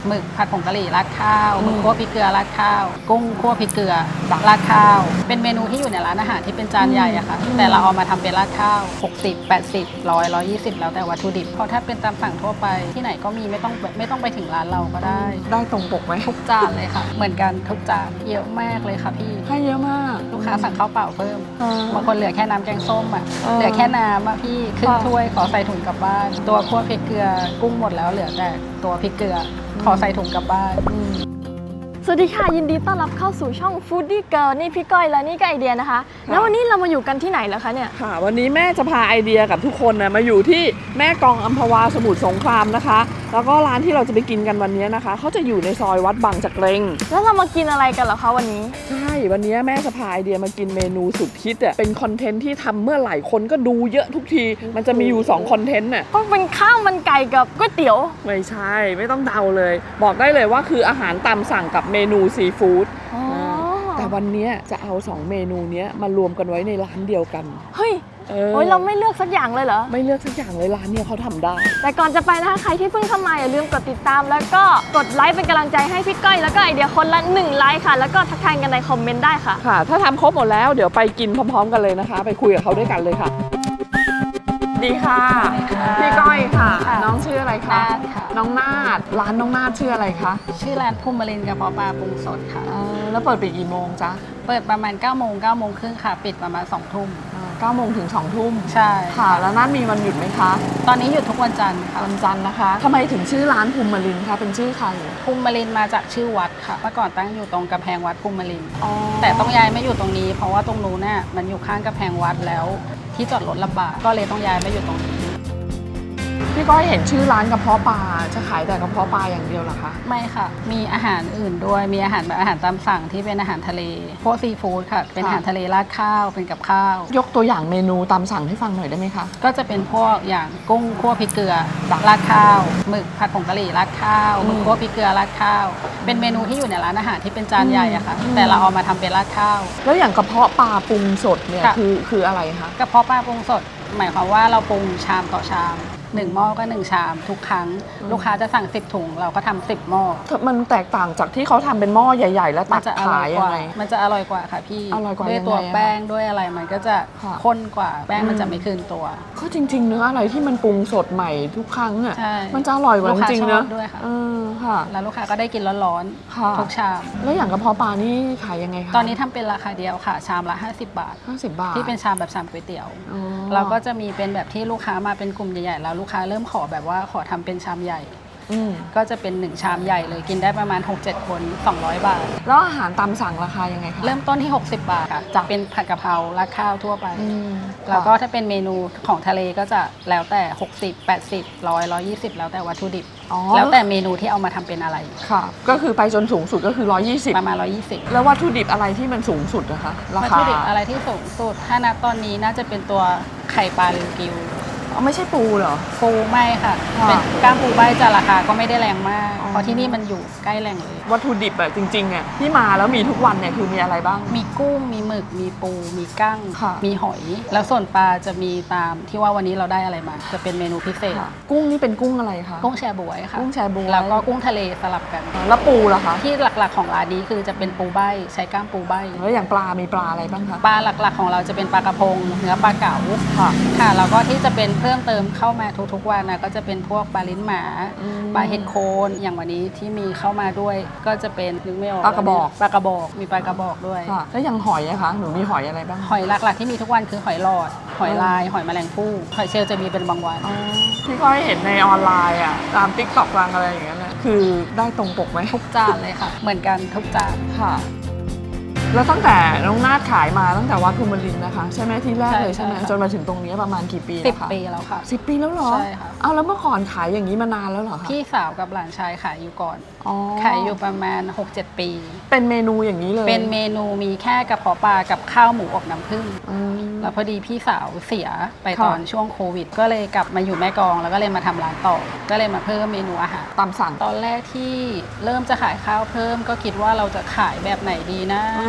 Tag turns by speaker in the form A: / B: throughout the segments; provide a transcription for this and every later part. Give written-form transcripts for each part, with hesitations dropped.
A: หมึกผัดผงกะหรี่ราดข้าวหมึกคั่วพริกเกลือราดข้าวกุ้งคั่วพริกเกลือราดข้าวเป็นเมนูที่อยู่ในร้านอาหารที่เป็นจานใหญ่อะค่ะแต่เราเอามาทำเป็นราดข้าว60 80 100 120แล้วแต่วัตถุดิบเพราะถ้าเป็นตามสั่งทั่วไปที่ไหนก็มีไม่ต้องไปถึงร้านเราก็ได้
B: ตรงปกไหม
A: ทุกจานเลยค่ะเหมือนกันทุกจานเยอะมากเลยค่ะพี่
B: ให้เยอะมาก
A: ลูกค้าสั่งข้าวเปล่าเพิ่มบางคนเหลือแค่น้ำแกงส้มอะเหลือแค่น้ำอะพี่ครึ่งถ้วยขอใส่ถุงกลับบ้านตัวคั่วพริกเกลือกุ้งหมดแล้วเหลือแต่ตัวพริกเกลือขอใส่ถุงกลับบ้าน
C: สวัสดีค่ะยินดีต้อนรับเข้าสู่ช่อง Foodie Girl นี่พี่ก้อยและนี่ก็ไอเดียนะคะแล้ววันนี้เรามาอยู่กันที่ไหนแล้วคะเนี่ย
B: ค่ะวันนี้แม่จะพาไอเดียกับทุกคนนะมาอยู่ที่แม่กลองอัมพวาสมุทรสงครามนะคะแล้วก็ร้านที่เราจะไปกินกันวันนี้นะคะเขาจะอยู่ในซอยวัดบางจักเรง
C: แล้วเรามากินอะไรกันเหรอคะวันนี้
B: ใช่วันนี้แม่จะพาไอเดียมากินเมนูสุดฮิตอ่ะเป็นคอนเทนต์ที่ทำเมื่อไหร่คนก็ดูเยอะทุกทีมันจะมีอยู่2คอนเทนต์น่ะ
C: ก็เป็นข้าวมันไก่กับก๋วยเตี๋ยว
B: ไม่ใช่ไม่ต้องเดาเลยบอกได้เลยว่าคืออาหารตามสั่งกับเมนูซีฟู้ดแต่วันนี้จะเอา2เมนูนี้มารวมกันไว้ในร้านเดียวกัน
C: เฮ้ยโอ้ยเราไม่เลือกสักอย่างเลยเหรอ
B: ไม่เลือกสักอย่างเลยร้านเนี่ยเขาทำได้
C: แต่ก่อนจะไปนะคะใครที่เพิ่งเข้ามาอย่าลืมกดติดตามแล้วก็กดไลค์เป็นกำลังใจให้พี่ก้อยแล้วก็ไอเดียคนละ1ไลค์ค่ะแล้วก็ทักทายกันในคอมเมนต์ได้ค่ะ
B: ค่ะถ้าทำครบหมดแล้วเดี๋ยวไปกินพร้อมๆกันเลยนะคะไปคุยกับเขาด้วยกันเลยค่ะดีค่ะพี่ก้อยค่ะน้องชื่ออะไรคะน้องนาฏร้านน้องนาฏชื่ออะไรคะ
A: ชื่อร้านภูมิรินทร์กระเพาะปลาปรุงสดค่ะ
B: แล้วเปิดปิดกี่โมงจ๊ะ
A: เปิดประมาณ9 โมง9 โมงครึ่งค่ะปิดประมาณ2 ทุ่ม
B: 9 โมงถึง2 ทุ่ม
A: ใช่
B: ค่ะแล้วนาฏมีวันหยุดไหมคะ
A: ตอนนี้หยุดทุกวันจันทร์ค่ะ
B: วันจันทร์นะคะทำไมถึงชื่อร้านภูมิรินทร์คะเป็นชื่อใคร
A: ภูมิรินทร์มาจากชื่อวัดค่ะเมื่อก่อนตั้งอยู่ตรงกำแพงวัดภูมิรินทร์แต่ต้องย้ายมาอยู่ตรงนี้เพราะว่าตรงนู้นน่ะมันอยู่ข้างกำแพงวัดแล้วที่จอดรถลำบากก็เลยต้องย้ายมาอยู่ตรงนี้
B: พี่ก้อยเห็นชื่อร้านกระเพาะปลาจะขายแต่กระเพาะปลาอย่างเดียวเหรอคะ
A: ไม่ค่ะมีอาหารอื่นด้วยมีอาหารแบบอาหารตามสั่งที่เป็นอาหารทะเลพวกซีฟู้ดค่ะเป็นอาหารทะเลราดข้าวเป็นกับข้าวย
B: กตัวอย่างเมนูตามสั่งให้ฟังหน่อยได้ไหมคะ
A: ก็จะเป็นพวกอย่างกุ้งคั่วพริกเกลือราดข้าวหมึกผัดผงกะหรี่ราดข้าวหมึกคั่วพริกเกลือราดข้าวเป็นเมนูที่อยู่ในร้านอาหารที่เป็นจานใหญ่อะค่ะแต่เราเอามาทำเป็นราดข้าว
B: แล้วอย่างกระเพาะปลาปรุงสดเนี่ยคืออะไรคะ
A: กระเพาะปลาปรุงสดหมายความว่าเราปรุงชามต่อชาม1 หม้อก็1 ชามทุกครั้งลูกค้าจะสั่ง10 ถุงเราก็ทำ10 หม้อ
B: มันแตกต่างจากที่เขาทำเป็นหม้อใหญ่ๆแล้วตักขายยังไง
A: มันจะอร่อยกว่าค่ะพี่
B: อร่อยกว่า
A: ด้วยตัวแป้งด้วยอะไรมันก็จะข้นกว่าแป้งมันจะไม่คืนตัว
B: ก็จริงๆเนื้ออะไรที่มันปรุงสดใหม่ทุกครั้งอ่ะมันจะอร่อยกว่าจริงๆนะ
A: ด้วยค่ะ
B: ค่ะ
A: แล้วลูกค้าก็ได้กินร้อนๆทุกชาม
B: แล้วอย่างกระเพาะปลานี่ขายยังไงคะ
A: ตอนนี้ทำเป็นราคาเดียวค่ะชามละ50 บาทที่เป็นชามแบบชามก๋วยเตี๋ยวเราก็จะมีเป็นแบบที่ลูกค้ามาเป็นกลุ่มใหญ่ๆแล้วลูกค้าเริ่มขอแบบว่าขอทำเป็นชามใหญ่ก็จะเป็น1 ชามใหญ่เลยกินได้ประมาณ 6-7 คน200 บาท
B: แล้วอาหารตามสั่งราคายังไงคะ
A: เริ่มต้นที่60 บาทค่ะจะเป็นผัดกะเพราราดข้าวทั่วไปแล้วก็ถ้าเป็นเมนูของทะเลก็จะแล้วแต่60 80 100 120แล้วแต่วัตถุดิบแล้วแต่เมนูที่เอามาทำเป็นอะไร
B: ค่ะก็คือไปจนสูงสุดก็คือ120
A: ประมาณ120
B: แล้ววัตถุดิบอะไรที่มันสูงสุดนะคะราคา
A: วัตถุดิบอะไรที่สูงสุดถ้านับตอนนี้น่าจะเป็นตัวไข่ปลาริวกิว
B: ไม่ใช่ปูเหรอ
A: ปูไม่ค่ะเป็นก้ามปูใบจะราคาก็ไม่ได้แรงมากเพราะที่นี่มันอยู่ใกล้แหล่งเลย
B: วัตถุดิบอะจริงๆอะที่มาแล้วมีทุกวันเนี่ยคือมีอะไรบ้าง
A: มีกุ้งมีหมึกมีปูมีกั้งมีหอยแล้วส่วนปลาจะมีตามที่ว่าวันนี้เราได้อะไรมาจะเป็นเมนูพิเศษ
B: กุ้งนี่เป็นกุ้งอะไรคะ
A: กุ้งแชบวยค่ะ
B: กุ้งแชบวย
A: แล้วก็กุ้งทะเลสลับกัน
B: แล้วปูล่ะคะ
A: ที่หลักๆของร้านนี้คือจะเป็นปูใบใช้ก้ามปูใบ
B: แล้วอย่างปลามีปลาอะไรบ้างคะ
A: ปลาหลักๆของเราจะเป็นปลากระพงเนื้อปลาเก๋าค่ะแล้วก็ที่จะเป็นเพิ่มเติมเข้ามาทุกวันนะก็จะเป็นพวกปลาลิ้นหมาปลาเห็ดโคนอย่างวันนี้ที่มีเข้ามาด้วยก็จะเป็นนึกไม่ออก
B: ปลากระบอก
A: มีปลากระบอกด้วย
B: แล้วอย่างหอยอะคะหนูมีหอยอะไรบ้าง
A: หอยหลักๆที่มีทุกวันคือหอยหลอดหอยลายหอยแมลงภู่หอยเชลล์จะมีเป็นบางวัน
B: ที่ก็เห็นในออนไลน์อะตาม TikTok บางอะไรอย่างเงี้ยคือได้ตรงปกไหม
A: ทุกจานเลยค่ะเหมือนกันทุกจาน
B: ค่ะแล้วตั้งแต่น้องนาฏขายมาตั้งแต่วัดภูมิรินทร์นะคะใช่ไหมที่แรกเลยใช่ไหมจนมาถึงตรงนี้ประมาณกี่ปีแล้วคะ
A: 10 ปีแล้วค่ะ
B: 10 ปีแล้วเหรอ
A: ใช่ค่ะ
B: เอาแล้วเมื่อก่อนขายอย่างนี้มานานแล้วเหรอคะ
A: พี่สาวกับหลานชายขายอยู่ก่อนขายอยู่ประมาณ 6-7 ปี
B: เป็นเมนูอย่างนี้เลย
A: เป็นเมนูมีแค่กระเพาะปลากับข้าวหมูอบน้ำผึ้งแล้วพอดีพี่สาวเสียไปตอนช่วงโควิดก็เลยกลับมาอยู่แม่กลองแล้วก็เลยมาทำร้านต่อก็เลยมาเพิ่มเมนูอาหาร
B: ตามสั่ง
A: ตอนแรกที่เริ่มจะขายข้าวเพิ่มก็คิดว่าเราจะขายแบบไหนดีนะ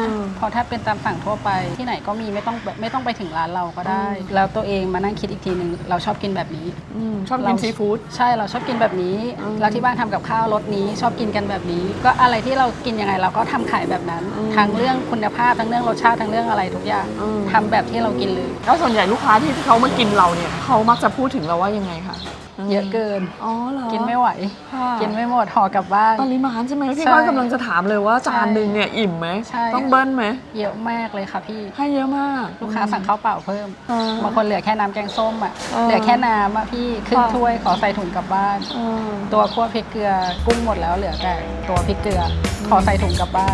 A: เพราะถ้าเป็นตามสั่งทั่วไปที่ไหนก็มีไม่ต้องไปถึงร้านเราก็ได้ แล้วตัวเองมานั่งคิดอีกทีนึงเราชอบกินแบบนี้
B: ชอบกินซีฟู้ด
A: ใช่เราชอบกินแบบนี้แล้วที่บ้านทำกับข้าวรสนี้ชอบกินกันแบบนี้ ก็อะไรที่เรากินยังไงเราก็ทำขายแบบนั้นทั้งเรื่องคุณภาพทั้งเรื่องรสชาติทั้งเรื่องอะไรทุกอย่างทำแบบที่เรากินเลย
B: แล้วส่วนใหญ่ลูกค้าที่เขามากินเราเนี่ยเขามักจะพูดถึงเราว่ายังไงคะ
A: เยอะเกิน
B: อ๋อเหรอ
A: กินไม่ไหว
B: ค่ะ
A: กินไม่หมดห่อกลับบ้าน
B: ปริมาณใช่ไหมพี่
A: ใช่
B: ก้อยกำลังจะถามเลยว่าจานหนึ่งเนี่ยอิ่มไหม
A: ใช่
B: ต้องเบิ้ลไหม
A: เยอะมากเลยค่ะพี่
B: ให้เยอะมาก
A: ลูกค้าสั่งข้าวเปล่าเพิ่ม
B: อ่า
A: บางคนเหลือแค่น้ำแกงส้มอ่ะ
B: อ่า
A: เหลือแค่น้ำอ่ะพี่ครึ่ง
B: ค่ะ
A: ถ้วยขอใส่ถุงกลับบ้าน ตัวคั่วพริกเกลือกุ้งหมดแล้วเหลือแต่ตัวพริกเกลือขอใส่ถุงกลับบ้าน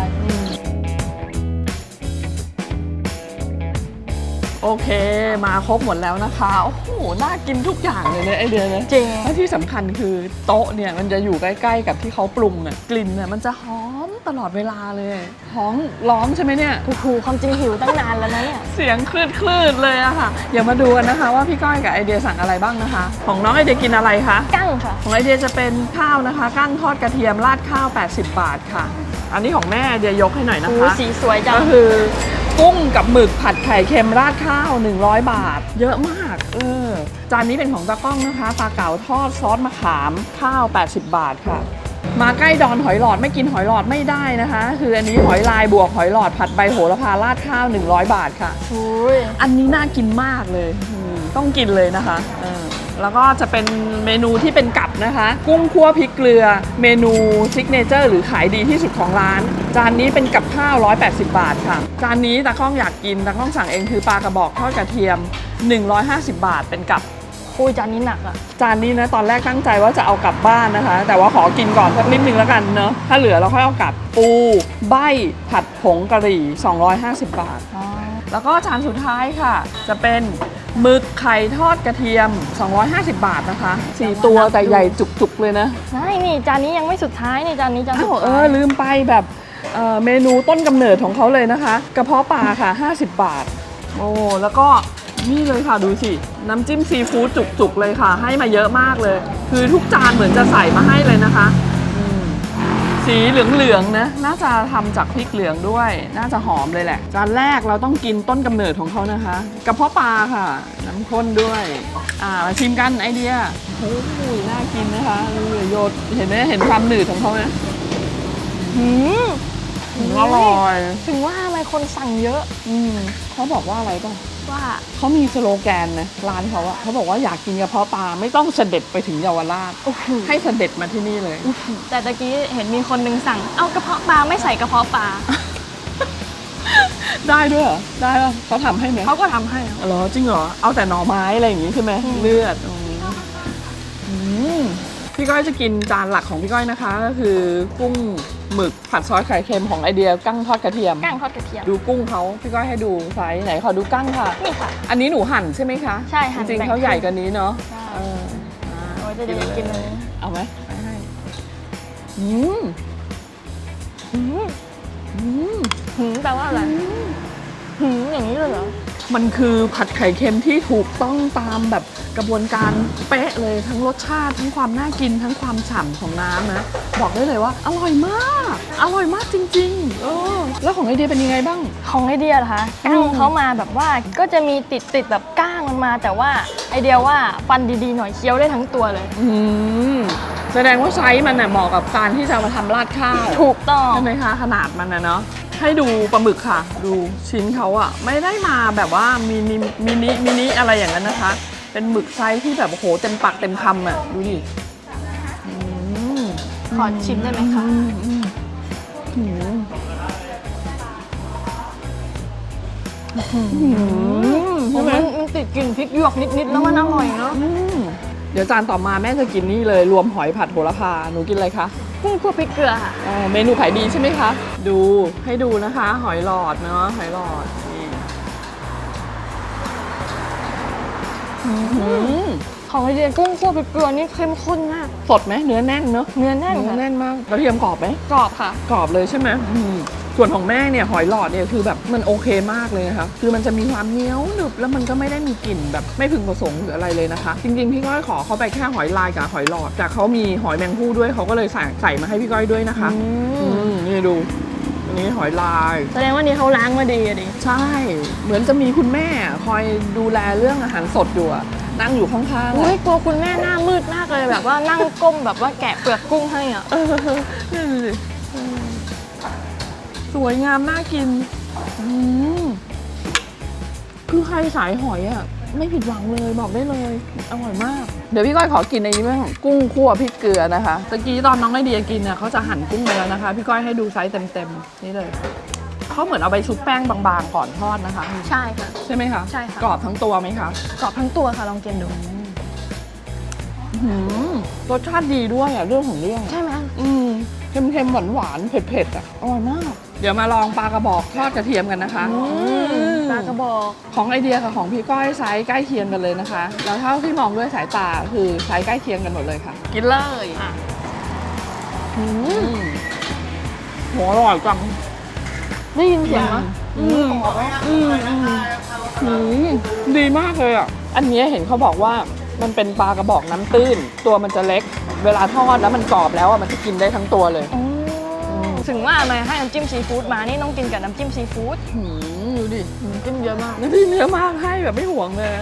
B: โอเคมาครบหมดแล้วนะคะโอ้โหน่ากินทุกอย่างเลยเนี่ยไอเดียนะ
C: จริง
B: และที่สำคัญคือโต๊ะเนี่ยมันจะอยู่ใกล้ๆกับที่เขาปรุงอ่ะกลิ่นเนี่ยมันจะหอมตลอดเวลาเลยท้องร้องใช่ไหมเนี่ย
C: โอ้โหความจริงหิวตั้งนานแล้วนะเนี่ย
B: เสียงคลืดๆเลยอะค่ะเดี๋ยวมาดูกันนะคะว่าพี่ก้อยกับไอเดียสั่งอะไรบ้างนะคะ ของน้องไอเดียกินอะไรคะ
C: กั้งค่ะ
B: ของไอเดียจะเป็นข้าวนะคะกั้งทอดกระเทียมราดข้าว80 บาทค่ะ อันนี้ของแม่ไอเดียยกให้หน่อยนะ
C: โอ้
B: คะ
C: สีสวยจั
B: ก็
C: ง
B: คือกุ้งกับหมึกผัดไข่เค็มราดข้าว100 บาท เยอะมากจานนี้เป็นของตากล้องนะคะปลาเก๋าทอดซอสมะขามข้าว80 บาทค่ะ มาใกล้ดอนหอยหลอดไม่กินหอยหลอดไม่ได้นะคะ คืออันนี้หอยลายบวกหอยหลอดผัดใบโหระพาราดข้าว100 บาทค่ะ
C: อุ้ย
B: อันนี้น่ากินมากเลยต้องกินเลยนะคะแล้วก็จะเป็นเมนูที่เป็นกับนะคะ กุ้งคั่วพริกเกลือ เมนูซิกเนเจอร์หรือขายดีที่สุดของร้าน จานนี้เป็นกับข้าว180 บาทค่ะ จานนี้ตากล้องอยากกินตากล้องสั่งเองคือปลากระบอกทอดกระเทียม150 บาทเป็นกับ
C: อุ้ยจานนี้หนักอ่ะ
B: จานนี้นะตอนแรกตั้งใจว่าจะเอากลับบ้านนะคะ แต่ว่าขอกินก่อนสักนิดนึงแล้วกันเนาะถ้าเหลือเราค่อยเอากลับปูใบผัดผงกะหรี่250 บาท แล้วก็จานสุดท้ายค่ะ จะเป็นหมึกไข่ทอดกระเทียม250 บาทนะคะ4ตัวแต่ใหญ่จุกๆเลยนะ
C: ใช่นี่จานนี้ยังไม่สุดท้ายนี่จานนี้จานสุด
B: อ้าว
C: ท้าย
B: ลืมไปแบบเมนูต้นกำเนิดของเขาเลยนะคะกระเพาะปลาค่ะ50 บาทโอ้แล้วก็นี่เลยค่ะดูสิน้ำจิ้มซีฟู้ดจุกๆเลยค่ะ ให้มาเยอะมากเลย คือทุกจานเหมือนจะใส่มาให้เลยนะคะสีเหลืองๆนะน่าจะทำจากพริกเหลืองด้วย น่าจะหอมเลยแหละจานแรกเราต้องกินต้นกำเนิดของเขานะคะกระเพาะปลาค่ะน้ำข้นด้วยมาชิมกันไอเดียโอ้ยน่ากินนะคะดูโยดเห็นไหมเห็นความหนืดของเขาไหม
C: หืม
B: อร่อย
C: ถึงว่าทำไมคนสั่งเยอะ
B: เขาบอกว่าอะไรป่ะ
C: ว่า
B: เขามีสโลแกนนะร้านเขาอะเขาบอกว่าอยากกินกระเพาะปลาไม่ต้องเสด็จไปถึงเยาวราช
C: โอ้โห
B: ให้เสด็จมาที่นี่เลย
C: แต่ตะกี้เห็นมีคนนึงสั่งเอากระเพาะปลาไม่ใส่กระเพาะปลา
B: ได้ด้วยเหรอได้ป่ะเขาทำให้ไหม
C: เขาก็ทำให้
B: เหรอจริงเหรอเอาแต่หน่อไม้อะไรอย่างงี้ใช่ไหมเลือดพี่ก้อยจะกินจานหลักของพี่ก้อยนะคะ ก็คือกุ้งหมึกผัดซอสไข่เค็มของไอเดียกั้งทอดกระเทียม
C: กั้งทอดกระเทียม
B: ดูกุ้งเขาพี่ก้อยให้ดูไซส์ไหนขอดูกั้งค่ะ
C: นี่ค่ะ
B: อันนี้หนูหั่นใช่ไหมคะ
C: ใช่หั่น
B: จริง
C: แบ่
B: ๆ
C: ง
B: เขาใหญ่กว่านี้เนาะ
C: ใช่
B: อ่า
C: โอ้ยจะเดี๋ยวกินเลย
B: เอาไหมไปให้อืม
C: หืม
B: อืม
C: หืมแปลว่าอะไรหืมอย่างนี้เลยเหรอ
B: มันคือผัดไข่เค็มที่ถูกต้องตามแบบกระบวนการเป๊ะเลยทั้งรสชาติทั้งความน่ากินทั้งความฉ่ำของน้ำนะบอกได้เลยว่าอร่อยมากอร่อยมากจริงๆแล้วของไอเดียเป็นยังไงบ้าง
C: ของไอเดียเหรอคะกั้งเขามาแบบว่าก็จะมีติดแบบก้างมันมา แต่ว่าไอเดียว่าฟันดีๆหน่อยเคี้ยวได้ทั้งตัวเลย
B: แสดงว่าไซส์มันน่ะเหมาะกับการที่จะมาทำราดข้าว
C: ถูกต้อง
B: ใช่ไหมคะขนาดมันนะเนาะให้ดูปลาหมึกค่ะ ดูชิ้นเขาอะไม่ได้มาแบบว่ามินิอะไรอย่างนั้นนะคะ เป็นหมึกไซส์ที่แบบโอ้โหเต็มปากเต็มคำอะดูดิอืม
C: ขอชิมได้ไหมคะ
B: อืม
C: ใช่ไหมมันติดกลิ่นพริกหยวกนิดๆแล้วมันอร่อยเนาะ
B: เดี๋ยวจานต่อมาแม่จะกินนี่เลยรวมหอยผัดโหระพาหนูกินอะไรคะ
C: กุ้งคั่วพริกเกลือค่ะ
B: เมนูขายดีใช่ไหมคะดูให้ดูนะคะ หอยหลอดเนาะหอยหลอดนี่
C: ของไอเดียกุ้งคั่วพริกเกลือนี่เข้มข้นมาก
B: สดไหมเนื้อแน่นเนาะ
C: เนื้อแน่น
B: เนื้อ
C: ค่ะ
B: แน่นมากกระเทียมกรอบไหม
C: กรอบค่ะ
B: กรอบเลยใช่ไหมส่วนของแม่เนี่ยหอยหลอดเนี่ยคือแบบมันโอเคมากเลยนะคะคือมันจะมีความเหนียวหนึบแล้วมันก็ไม่ได้มีกลิ่นแบบไม่พึงประสงค์หรืออะไรเลยนะคะ จริงๆพี่ก้อยขอเขาไปแค่หอยลายกับหอยหลอดแต่เขามีหอยแมงภู่ด้วยเขาก็เลยใส่มาให้พี่ก้อยด้วยนะคะนี่ดูอันนี้หอยลาย
C: แสดงว่านี่เขาล้างมาดีอะดิ
B: ใช่ เหมือนจะมีคุณแม่คอยดูแลเรื่องอาหารสดอยู่อะนั่งอยู่ข้างๆ
C: อุ้
B: อะ
C: ยกลัวคุณแม่หน้ามืดมากเลยแบบว่านั่งก้มแบบว่าแกะเปลือกกุ้งให้อ่ะ
B: นี่ดูสิสวยงามน่ากินคือใครสายหอยอะไม่ผิดหวังเลยบอกได้เลยอร่อยมาก เดี๋ยวพี่ก้อยขอกินในนี้บ้างกุ้งคั่วพริกเกลือนะคะตะกี้ตอนน้องไอเดียกินเนี่ยเขาจะหั่นกุ้งไปแล้วนะคะพี่ก้อยให้ดูไซส์เต็มๆนี่เลยเขาเหมือนเอาไปชุบแป้งบางๆก่อนทอดนะคะ
C: ใช่ค่ะ
B: ใช่ไหมคะ
C: ใช่ค่ะ
B: กรอบทั้งตัวไหมคะ
C: กรอบทั้งตัวค่ะลองกินดู
B: รสชาติดีด้วยอ่ะเรื่องของเรื่อง
C: ใช่ไหม
B: เค็มๆหวานๆเผ็ดๆอ่ะอร่อยมาก เดี๋ยวมาลองปลากระบอกทอดกระเทียมกันนะคะ
C: ปลากระบอก
B: ของไอเดียกับของพี่ก้อยไซส์ใกล้เคียงกันเลยนะคะแล้วเท่าที่มองด้วยสายตาคือไซส์ใกล้เคียงกันหมดเลยค่ะ กินเลยหัวอร่อยจัง
C: ได้ยินเสียงไหม
B: ดีมากเลยอ่ะอันนี้เห็นเขาบอกว่ามันเป็นปลากระบอกน้ำตื้นตัวมันจะเล็ก เวลาทอดแล้วมันกรอบแล้วอ่ะมันจะกินได้ทั้งตัวเลย
C: ถึงว่าทำไมให้น้ำจิ้มซีฟู้ดมานี่ต้องกินกับน้ำจิ้มซีฟู้ด
B: ดูดิ
C: น้ำจิ้มเยอะมาก
B: น้ำจิ้มเยอะมากให้แบบไม่ห่วงเลย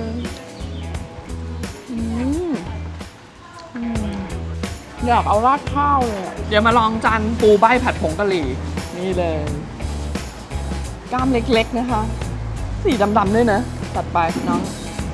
B: อยากเอาราดข้าวเลยเดี๋ยวมาลองจานปูใบผัดผงกะหรี่นี่เลยกล้ามเล็กๆนะคะสีดำๆด้วยนะตัดไปน้อง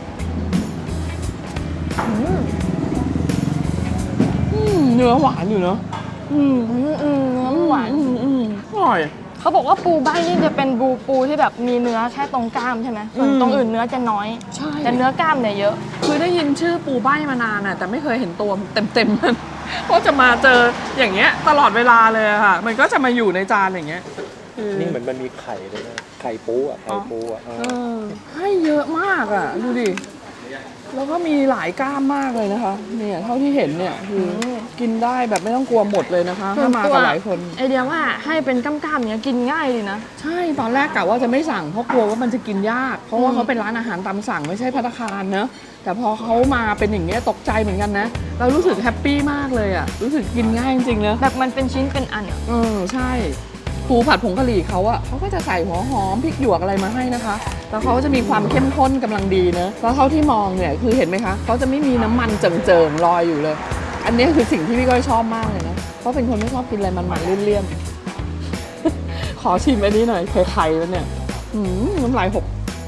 B: เนื้อหวานอยู่เนาะ
C: เนื้อหวาน
B: อร่อย
C: เขาบอกว่าปูใบนี่จะเป็นปูที่แบบมีเนื้อแค่ตรงกล้ามใช่ไหมส่วนตรงอื่นเนื้อจะน้อย
B: ใช่
C: แต่เนื้อกล้ามเนี่ยเยอะ
B: คือได้ยินชื่อปูใบมานานอะแต่ไม่เคยเห็นตัวเต็มๆมันเพราะจะมาเจออย่างเงี้ยตลอดเวลาเลยอะค่ะมันก็จะมาอยู่ในจานอย่างเงี้ย
D: นี่เหมือนมันมีไข่เลยนะไข่ปูอ่ะไข่ปูอ่ะ
B: ให้เยอะมากอ่ะดูดิแล้วก็มีหลายกล้ามมากเลยนะคะเนี่ยเท่าที่เห็นเนี่ยคือกินได้แบบไม่ต้องกลัวหมดเลยนะคะถ้ามากับหลายคน
C: ไอเดียว่าให้เป็นกล้ามๆเนี้ยกินง่ายดีนะ
B: ใช่ตอนแรกกะว่าจะไม่สั่งเพราะกลัวว่ามันจะกินยากเพราะว่าเขาเป็นร้านอาหารตามสั่งไม่ใช่ภัตตาคารเนอะแต่พอเขามาเป็นอย่างเงี้ยตกใจเหมือนกันนะเรารู้สึกแฮปปี้มากเลยอ่ะรู้สึกกินง่ายจริงๆนะ
C: แบบมันเป็นชิ้นเป็นอันอ่ะ
B: ใช่ปูผัดผงกะหรี่เขาอะเขาก็จะใส่หัวหอมพริกหยวกอะไรมาให้นะคะแล้วเขาจะมีความเข้มข้นกำลังดีนะแล้วเท่าที่มองเนี่ยคือเห็นไหมคะเขาจะไม่มีน้ำมันเจิ่งๆลอยอยู่เลย อันนี้คือสิ่งที่พี่ก้อยชอบมากเลยนะเพราะเป็นคนไม่ชอบกินอะไรมันๆเลี่ยนๆ ขอชิมอันนี้หน่อยไข่ๆแล้วเนี่ยน้ำลายหก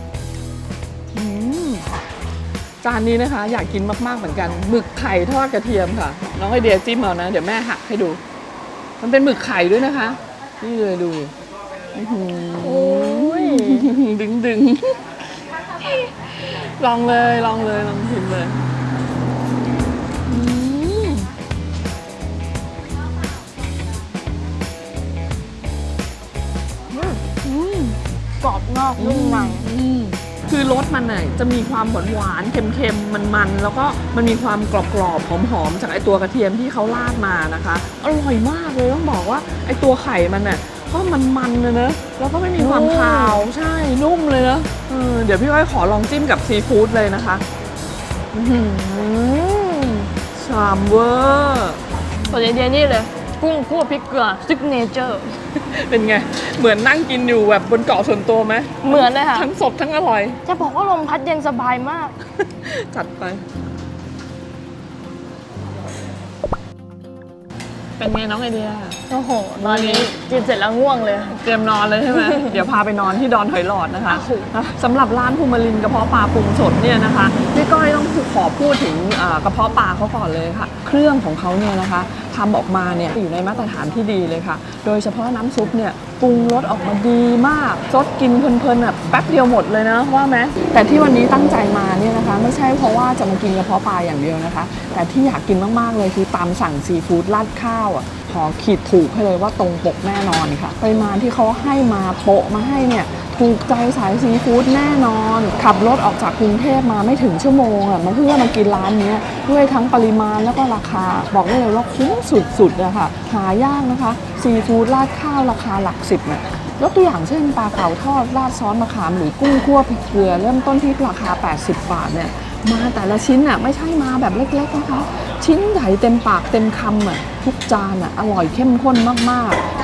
B: จานนี้นะคะอยากกินมากๆเหมือนกันหมึกไข่ทอดกระเทียมค่ะน้องไอเดียจิ้มเอานะเดี๋ยวแม่หักให้ดูมันเป็นหมึกไข่ด้วยนะคะนี่เลยดูโอ้ยดึงลองเลยลองชิมเลย
C: กรอบนอกนุ่มใน
B: คือรสมันน่ะจะมีความหวานๆเค็มๆมันๆแล้วก็มันมีความกรอบๆหอมๆจากไอตัวกระเทียมที่เขาราดมานะคะอร่อยมากเลยต้องบอกว่าไอตัวไข่มันน่ะก็มันๆเลยนะแล้วก็ไม่มีความคาวใช่นุ่มเลยนะเดี๋ยวพี่อ้อยขอลองจิ้มกับซีฟู้ดเลยนะคะชามเวอร์
C: ส่วนไอเดียนี่เลยกุ้งคั่วพริกเกลือซิกเนเจอร์
B: เป็นไงเหมือนนั่งกินอยู่แบบบนเกาะส่วนตัวไหม
C: เหมือนเลยค่ะ
B: ทั้งสดทั้งอร่อย
C: จะบอกว่าลมพัดเย็นสบายมาก
B: จัดไปเป็นไงน้องไอเดีย
C: โอ้โห ตอนนี้กินเสร็จแล้วง่วงเลย
B: เตรียมนอนเลยใช่ไหม เดี๋ยวพาไปนอนที่ดอนหอยหลอดนะคะ สำหรับร้านภูมิลินกระเพาะปลาปรุงสดเนี่ยนะคะพี่ก้อยต้องขอพูดถึงกระเพาะปลาเขาก่อนเลยค่ะ เครื่องของเขาเนี่ยนะคะทำออกมาเนี่ยอยู่ในมาตรฐานที่ดีเลยค่ะ โดยเฉพาะน้ำซุปเนี่ยปรุงรสออกมาดีมากซดกินเพลินๆแบบแป๊บเดียวหมดเลยนะว่าไหมแต่ที่วันนี้ตั้งใจมาเนี่ยนะคะไม่ใช่เพราะว่าจะมากินกระเพาะปลาอย่างเดียวนะคะแต่ที่อยากกินมากๆเลยคือตามสั่งซีฟู้ดราดข้าวขอขีดถูกให้เลยว่าตรงปกแน่นอนค่ะปริมาณที่เขาให้มาโปะมาให้เนี่ยถูกใจสายซีฟู้ดแน่นอนขับรถออกจากกรุงเทพมาไม่ถึงชั่วโมงมาเพื่อมากินร้านนี้ด้วยทั้งปริมาณแล้วก็ราคาบอกได้เลยว่าคุ้มสุดๆนะคะหายากนะคะซีฟู้ดราดข้าวราคาหลัก10เนี่ยยกตัวอย่างเช่นปลาเก๋าทอดราดซอสมะขามหรือกุ้งคั่วพริกเกลือเริ่มต้นที่ราคา80 บาทเนี่ยมาแต่ละชิ้นไม่ใช่มาแบบเล็กๆนะคะชิ้นใหญ่เต็มปากเต็มคำทุกจานอร่อยเข้มข้นมากๆแถ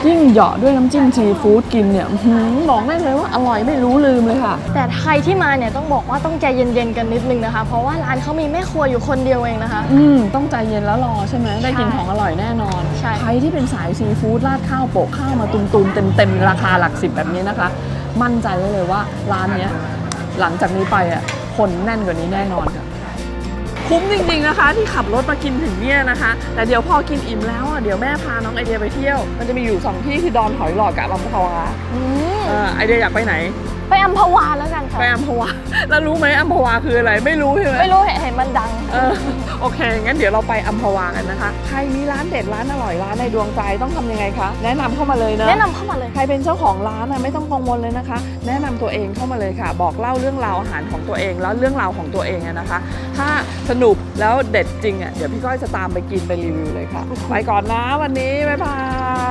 B: ยิ่งเหยาะด้วยน้ำจิ้มซีฟู้ดกินเนี่ยบอกได้เลยว่าอร่อยไม่รู้ลืมเลยค่ะ
C: แต่ใครที่มาเนี่ยต้องบอกว่าต้องใจเย็นๆกันนิดนึงนะคะ เพราะว่าร้านเขามีแม่ครัวอยู่คนเดียวเองนะคะ
B: ต้องใจเย็นแล้วรอใช่ไหมได้กินของอร่อยแน่นอน
C: ใช่
B: ใครที่เป็นสายซีฟู้ดราดข้าวโปะข้าวมาตุนๆเต็มๆราคาหลัก10แบบนี้นะคะ มั่นใจได้เลยว่าร้านเนี้ยหลังจากนี้ไปอ่ะคนแน่นกว่านี้แน่นอนค่ะคุ้มจริงๆนะคะที่ขับรถมากินถึงเนี่ยนะคะ แต่เดี๋ยวพอกินอิ่มแล้วอ่ะเดี๋ยวแม่พาน้องไอเดียไปเที่ยวมันจะมีอยู่2ที่คือดอนหอยหลอดกับอัมพวาไอเดียอยากไปไหน
C: ไปอัมพวาแล้วกันค่ะ
B: ไปอัมพวาแล้วรู้ไหมอัมพวาคืออะไรไม่รู้ใช่ไหม
C: ไม่รู้เห็นมันดัง
B: โอเค งั้นเดี๋ยวเราไปอัมพวากันนะคะ ใครมีร้านเด็ดร้านอร่อยร้านในดวงใจต้องทำยังไงคะ แนะนำเข้ามาเลยนะ
C: แนะนำเข้ามาเลย
B: ใครเป็นเจ้าของร้านไม่ต้องกังวลเลยนะคะ แนะนำตัวเองเข้ามาเลยค่ะ บอกเล่าเรื่องราวอาหารของตัวเองแล้วเรื่องราวของตัวเองนะคะ ถ้าสนุกแล้วเด็ดจริงเดี๋ยวพี่ก้อยจะตามไปกินไปรีวิวเลยค่ะ ไปก่อนนะวันนี้บ๊ายบาย